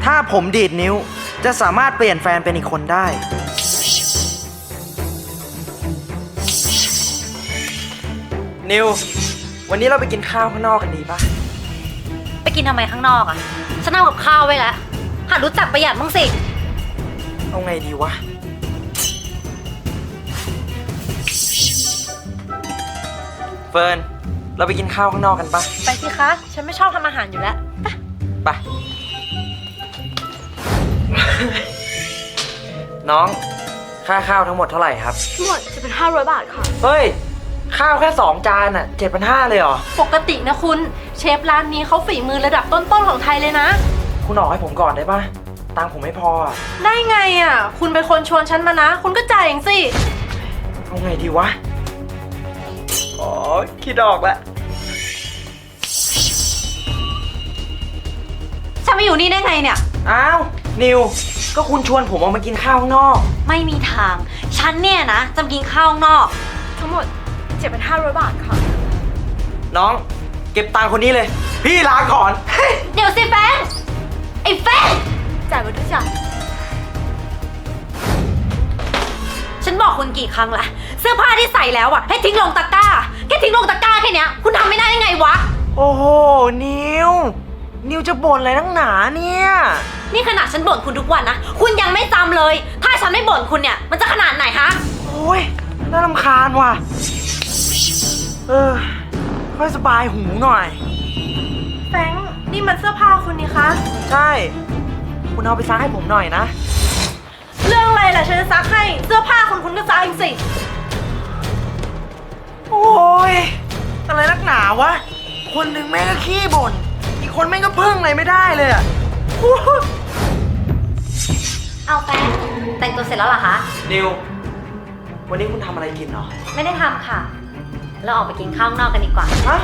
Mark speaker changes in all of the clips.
Speaker 1: ถ้าผมดีดนิ้วจะสามารถเปลี่ยนแฟนเป็นอีกคนได้นิววันนี้เราไปกินข้าวข้างนอกกันดีปะ
Speaker 2: ไปกินทำไมข้างนอกอ่ะฉันเอากับข้าวไว้แล้วหัดรู้จักประหยัดบ้างสิ
Speaker 1: เอาไงดีวะเฟิร์นเราไปกินข้าวข้างนอกกันปะ
Speaker 3: ไปสิคะฉันไม่ชอบทำอาหารอยู่แล้ว
Speaker 1: ไป น้องค่าข้าวทั้งหมดเท่าไหร่ครับ
Speaker 3: ทั้งหมดจะเป็น500 บาทค่ะ
Speaker 1: เฮ้ยข้าวแค่2 จานอ่ะ7,500เลยเหรอ
Speaker 3: ปกตินะคุณเชฟร้านนี้เขาฝีมือระดับต้นๆของไทยเลยนะ
Speaker 1: คุณออกให้ผมก่อนได้ปะตังค์ผมไม่พออ่ะ
Speaker 3: ได้ไงอ่ะคุณเป็นคนชวนฉันมานะคุณก็จ่ายเองสิ
Speaker 1: เอาไงดีวะอ๋อคิดออกแล้ว
Speaker 2: ฉันมาอยู่นี่ได้ไงเนี่ย
Speaker 1: อ้าวนิวก็คุณชวนผมออกมากินข้าวข้างนอก
Speaker 2: ไม่มีทางฉันเนี่ยนะจะมากินข้าวข้างนอก
Speaker 3: ทั้งหมด7,500 บาทค่ะ
Speaker 1: น้องเก็บตังค์คนนี้เลยพี่ลาก่อน
Speaker 2: เดี๋ยวสิแฟงไอ้แฟง
Speaker 3: จ่ายมาทุกอย่าง
Speaker 2: ฉันบอกคุณกี่ครั้งละเสื้อผ้าที่ใส่แล้วอ่ะให้ทิ้งลงตะกร้าแค่ทิ้งลงตะกร้าแค่เนี้ยคุณทำไม่ได้ยังไงวะ
Speaker 1: โอ้โหนิวจะบ่นอะไรนักหนาเนี่ย
Speaker 2: นี่ขนาดฉันบ่นคุณทุกวันนะคุณยังไม่จำเลยถ้าฉันไม่บ่นคุณเนี่ยมันจะขนาดไหนฮะ
Speaker 1: โอ้ยน่ารำคาญว่ะค่อยสบายหูหน่อย
Speaker 3: แฟงนี่มันเสื้อผ้าคุณนี่คะ
Speaker 1: ใช่คุณเอาไปซักให้ผมหน่อยนะ
Speaker 3: เรื่องอะไรล่ะฉันจะซักให้เสื้อผ้าคุณก็ซักเองสิ
Speaker 1: โอ้ยอะไรนักหนาวะคนหนึ่งแม่งก็ขี้บ่นอีกคนแม่งก็พึ่งอะไรไม่ได้เลยอะ
Speaker 2: เอาแฟนแต่งตัวเสร็จแล้วเหรอคะ
Speaker 1: นิววันนี้คุณทำอะไรกินเหรอ
Speaker 2: ไม่ได้ทำค่ะเราออกไปกินข้าวนอกกันดีกว่า
Speaker 1: ฮะ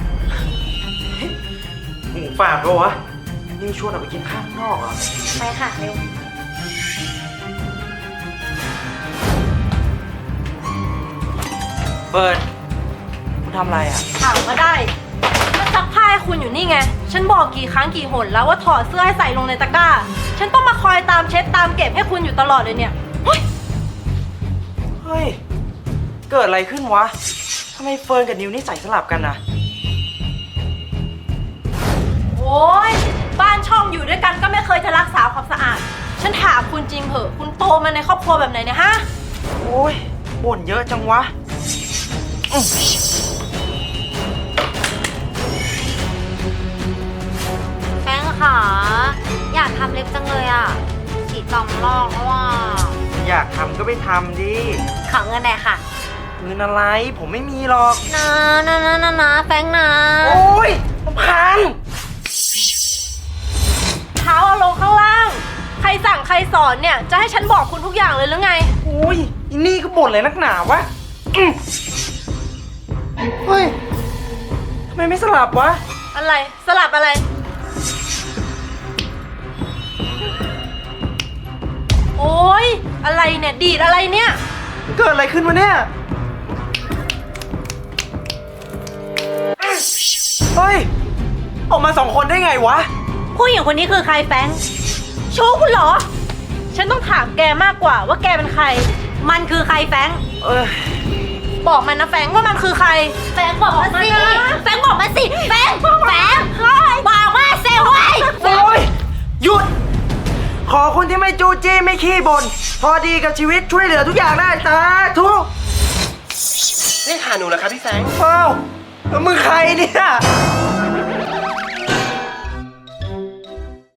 Speaker 1: หูฝาดปะวะนิวชวนออกไปกินข้าวนอกเหรอ
Speaker 2: ไปค่ะเร็ว
Speaker 1: เฟิร์นคุณทำอะไรอ่ะ
Speaker 3: ถามก็ได้ก็ซักผ้าให้คุณอยู่นี่ไงฉันบอกกี่ครั้งกี่หนแล้วว่าถอดเสื้อให้ใส่ลงในตะกร้าฉันต้องมาคอยตามเช็ดตามเก็บให้คุณอยู่ตลอดเลยเนี่ย
Speaker 1: เฮ้ยเกิดอะไรขึ้นวะทำไมเฟิร์นกับนิวนี่ใส่สลับกันนะ
Speaker 3: โอ้ยบ้านช่องอยู่ด้วยกันก็ไม่เคยจะรักษาความสะอาดฉันถามคุณจริงเหอะคุณโตมาในครอบครัวแบบไหนเนี่ยฮะ
Speaker 1: โอ้ยบ่นเยอะจังวะ
Speaker 2: แป้งค่ะอยากทำเล็บจังเลยอ่ะฉีด2 รอบแล้วว่า
Speaker 1: อยากทำก็ไปทำดิ
Speaker 2: ขอเงินหน่อยค่ะ
Speaker 1: เงินอะไรผมไม่มีหรอก
Speaker 2: นะแป้งนะ
Speaker 1: โอ้ยพัน
Speaker 3: เท้าเอาลงข้างล่างใครสั่งใครสอนเนี่ยจะให้ฉันบอกคุณทุกอย่างเลยหรือไง
Speaker 1: โอ้ยอินี่ก็บ่นเลยนักหนาวะเฮ้ยทำไมไม่สลับวะ
Speaker 3: อะไรสลับอะไรโอ๊ยอะไรเนี่ยดีดอะไรเนี่ย
Speaker 1: เกิดอะไรขึ้นวะเนี่ยเฮ้ยออกมา2 คนได้ไงวะ
Speaker 2: ผู้หญิงคนนี้คือใครแฟงชู้คุณเหรอ
Speaker 3: ฉันต้องถามแกมากกว่าว่าแกเป็นใคร
Speaker 2: มันคือใครแฟง
Speaker 3: บอกมันนะแฟงว่ามันคือใคร
Speaker 2: แฟงบอกมาสิแฟงบอกมาสิแฟงบอกมาเซลไว้
Speaker 1: โอ้ยหยุดขอคนที่ไม่จู้จี้ไม่ขี้บ่นพอดีกับชีวิตช่วยเหลือทุกอย่างได้สาธุ
Speaker 4: นี่หาหนูเหรอครับพี่แฟง
Speaker 1: เอ้ามึงใครเนี่ย